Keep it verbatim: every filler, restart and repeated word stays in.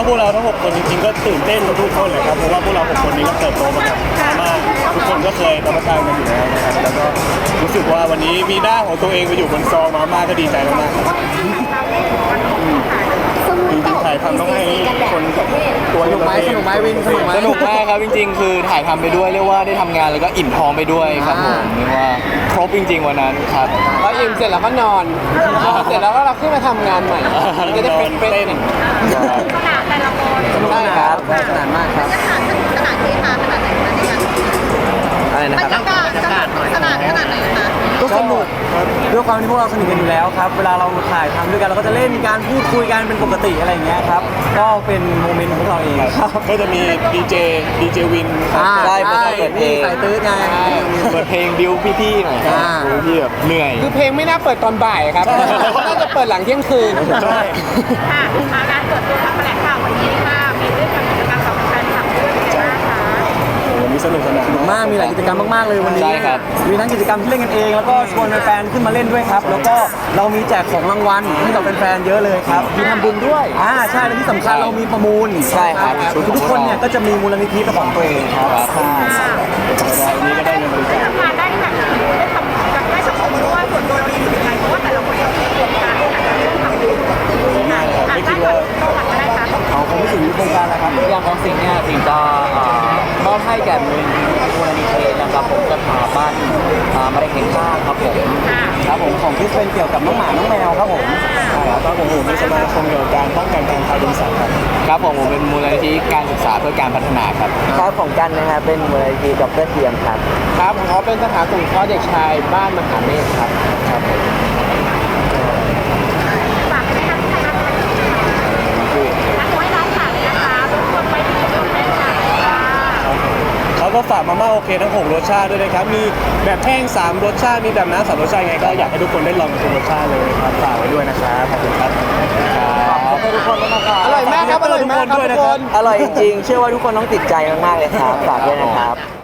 พวกเราทั้งหกคนจริงๆก็ตื่นเต้นทุกคนเลยครับเพราะว่าพวกเราหกคนนี้ก็เติบโตมากับมากทุกคนก็เคยรับประทานกันอยู่แล้วนะครับแล้วก็รู้สึกว่าวันนี้มีหน้าของตัวเองไปอยู่บนซองมาม่าก็ดีใจมากๆครับจริงๆถ่ายทำต้องให้คนตัวสนุกไหมสนุกไหมวินสนุกไหมสนุกมากครับจริงๆ คือถ่ายทำไปด้วยเรียกว่าได้ทำงานแล้วก็อิ่มท้องไปด้วยครับผมเรียกว่าครบจริงๆวันนั้นครับพออิ่มเสร็จแล้วก็นอนเสร็จแล้วก็เราขึ้นมาทำงานใหม่จะได้เป็นเป็นเต้นขนาดแต่ละคนสนุกครับสนานมากครับขนาดขนาดที่มาขนาดไหนคะเนี่ยอะไรนะบรครับรยากาศขนาดขนาดไหนคะก็สนุกด้วยความที่พวกเราสนิทกันอยู่แล้วครับเวลาเราถ่ายทำด้วยกันเราก็จะเล่นการพูดคุยกันเป็นปกติอะไรอย่างเงี้ยครับก็เป็นโมเมนต์ของพวกเราเองครับก็จะมีดีเจดีเจวินอ่าใช่ใช่เปิดเพลงนี่สายตื้อไงเปิดเพลงบิวพี่ๆหน่อยอ่าบิวพี่แบบเหนื่อยคือเพลงไม่น่าเปิดตอนบ่ายครับน่าจะเปิดหลังเที่ยงคืนใช่ค่ะการเปิดตัวทำแถลงข่าววันนี้ค่ะมีเรื่องกิจกรรมกับแฟนคลับด้วยเป็นไงบ้างคะวันนี้สนุกสนานมากมีหลายกิจกรรมมากๆเลยวันนี้ใช่ครับมีทั้งกิจกรรมที่เล่นกันเอง แล้วก็ชวนแฟนๆขึ้นมาเล่นด้วยครับ แล้วก็เรามีแจกของรางวัลให้กับแฟนๆเยอะเลยครับมีทำบุญด้วยอ่าใช่และที่สำคัญเรามีประมูลใช่ครับทุกๆคนเนี่ยก็จะมีมูลนิธิเป็นของตัวเองครับใช่วันนี้ก็ได้เงินบริจาคทำงานได้แบบได้ทำกับได้สังคมด้วยส่วนตัวเราเป็นยังไงเพราะว่าแต่ละคนเรามีโครงการที่อาจจะต้องทำอยู่อ่านได้ก่อนประวัติก็ได้ค่ะเอาคงไม่ถึงโครงการแล้วครับอย่างของสิ่งเนี่ยสิ่งจะมอบให้แก่มูลมูลนิธินะครับผมสถาบันมะเร็งแห่งชาติครับผมครับผมของที่เป็นเกี่ยวกับน้องหมาน้องแมวครับผมใช่ครับผมผมมีสมาคมเกี่ยวกับการป้องกันการทารุณสัตว์ครับครับผมผมเป็นมูลนิธิการศึกษาเพื่อการพัฒนาครับครับของกันนะครับเป็นมูลนิธิดรเทียมครับครับของเขาเป็นสถานสงเคราะห์เด็กชายบ้านมหาเมฆครับครับผมฝากให้ท่านไทยรัฐนักไว้ร้านฝากเลยนะคะทุกคนไปที่ชมได้ค่ะเขาก็ฝากมาม่าโอเคทั้งหกรสชาติด้วยนะครับมีแบบแห้งสามรสชาติมีแบบน้ำสามรสชาติไงก็อยากให้ทุกคนได้ลองทุกรสชาติเลยครับฝากไว้ด้วยนะครับขอบคุณครับขอบคุณทุกคนด้วยนะครับอร่อยมากครับอร่อยมากครับทุกคนอร่อยจริงๆ เชื่อว่าทุกคนต้องติดใจมากๆเลยครับ ฝากด้วยนะครับ